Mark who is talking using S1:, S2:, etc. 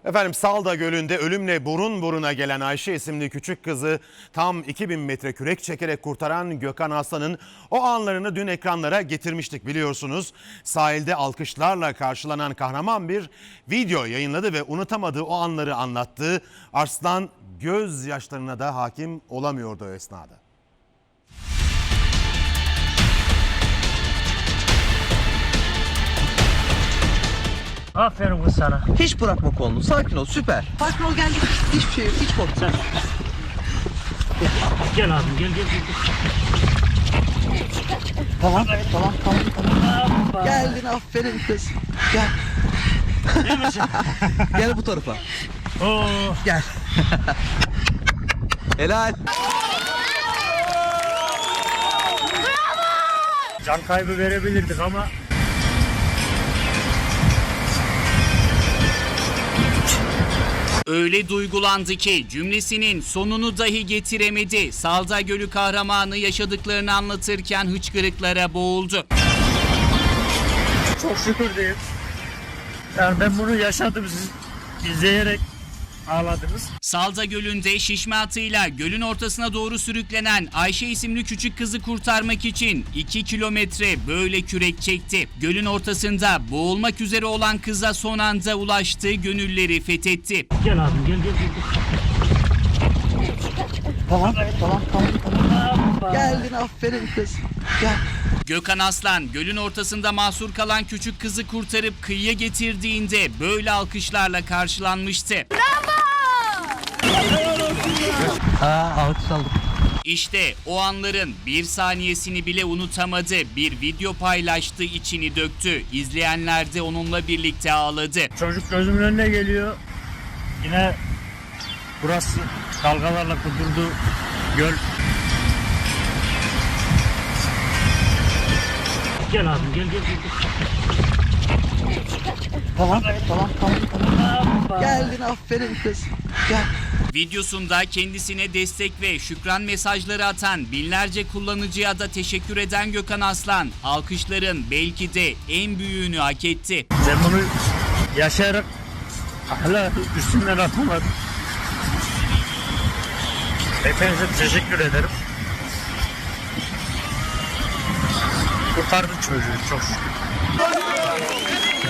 S1: Efendim Salda Gölü'nde ölümle burun buruna gelen Ayşe isimli küçük kızı tam 2000 metre kürek çekerek kurtaran Gökhan Aslan'ın o anlarını dün ekranlara getirmiştik biliyorsunuz. Sahilde alkışlarla karşılanan kahraman bir video yayınladı ve unutamadığı o anları anlattı. Arslan gözyaşlarına da hakim olamıyordu o esnada.
S2: Aferin kız sana.
S3: Hiç bırakma kolunu. Sakin ol. Süper. Sakin ol, gel. Hiçbir şey yok. Hiç korkma.
S2: Gel abim gel.
S3: Tamam. Geldin, aferin kız. Gel. Gel bu tarafa.
S2: Oo.
S3: Gel. Helal.
S2: Can kaybı verebilirdik ama
S4: öyle duygulandı ki cümlesinin sonunu dahi getiremedi. Salda Gölü kahramanı yaşadıklarını anlatırken hıçkırıklara boğuldu.
S2: çok şükür diyeyim. Yani ben bunu yaşadım, siz izleyerek ağladınız.
S4: Salda Gölü'nde şişme atıyla gölün ortasına doğru sürüklenen Ayşe isimli küçük kızı kurtarmak için 2 kilometre böyle kürek çekti. Gölün ortasında boğulmak üzere olan kıza son anda ulaştı, gönülleri fethetti.
S2: Gel abim gel.
S3: Tamam. Geldin, aferin kız. Gel.
S4: Gökhan Aslan gölün ortasında mahsur kalan küçük kızı kurtarıp kıyıya getirdiğinde böyle alkışlarla karşılanmıştı.
S3: Alkış aldım.
S4: İşte o anların bir saniyesini bile unutamadı. Bir video paylaştı, içini döktü. İzleyenler de onunla birlikte ağladı.
S2: Çocuk gözümün önüne geliyor. Yine burası dalgalarla kudurdu göl. Gel abim gel.
S3: Tamam. Geldin, aferin kız. Gel.
S4: Videosunda kendisine destek ve şükran mesajları atan binlerce kullanıcıya da teşekkür eden Gökhan Aslan, alkışların belki de en büyüğünü hak etti.
S2: Ben bunu yaşayarak hala üstümden atamadım. Hepinize teşekkür ederim. Kurtardım çocuğu çok şükür.